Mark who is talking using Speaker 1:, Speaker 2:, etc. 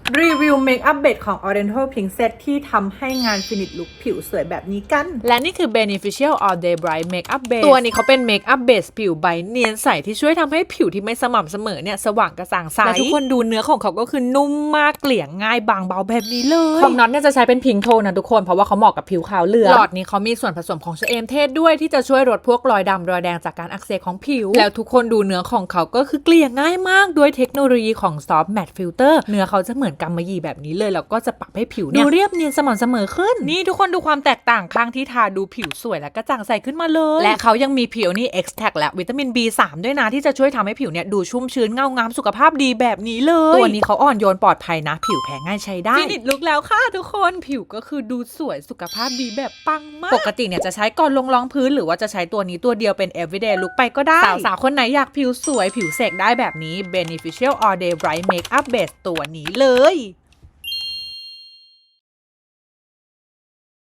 Speaker 1: รีวิวเมคอัพเบสของ Oriental Pink Set ที่ทำให้งานฟินิชลุคผิวสวยแบบนี้กัน
Speaker 2: และนี่คือ Beneficial All Day Bright Makeup Base ตัวนี้เขาเป็น Makeup Base ผิวใบเนียนใสที่ช่วยทำให้ผิวที่ไม่สม่ำเสมอเนี่ยสว่างกระจ่างใสและทุกคนดูเนื้อของเขาก็คือนุ่มมากเกลี่ยง่ายบางเบาแบบนี้เลยของน็อตเนี่ยจะใช้เป็นพิงโทนนะทุกคนเพราะว่าเขาเหมาะกับผิวขาวเหลืองหลอดนี้เขามีส่วนผสมของชะเอมเทศด้วยที่จะช่วยลดพวกรอยดำรอยแดงจากการอักเสบของผิวแล้วทุกคนดูเนื้อของเขาก็คือเกลี่ยง่ายมากด้วยเทคโนโลยีของ Soft Matte Filter เนื้อเขาจะเหมือนกำมะหยี่แบบนี้เลยแล้วก็จะปรับให้ผิวเนี่ยดูเรียบเนียนสม่ำเสมอขึ้นนี่ทุกคนดูความแตกต่างข้างที่ทาดูผิวสวยและกระจ่างใสขึ้นมาเลยและเขายังมีผิวนี่ Extract และวิตามิน B3 ด้วยนะที่จะช่วยทำให้ผิวเนี่ยดูชุ่มชื้นเงางามสุขภาพดีแบบนี้เลยตัวนี้เขาอ่อนโยนปลอดภัยนะผิวแพ้ง่ายใช้ได้ฟินิชลุคแล้วค่ะทุกคนผิวก็คือดูสวยสุขภาพดีแบบปังมากปกติเนี่ยจะใช้ก่อนลงรองพื้นหรือว่าจะใช้ตัวนี้ตัวเดียวเป็น everyday look ไปก็ได้สาวๆคนไหนอยากผิวสวยผิวเสกได้แบบนี้ Beneficial All Day Bright Makeup Base ตัวนี้เลย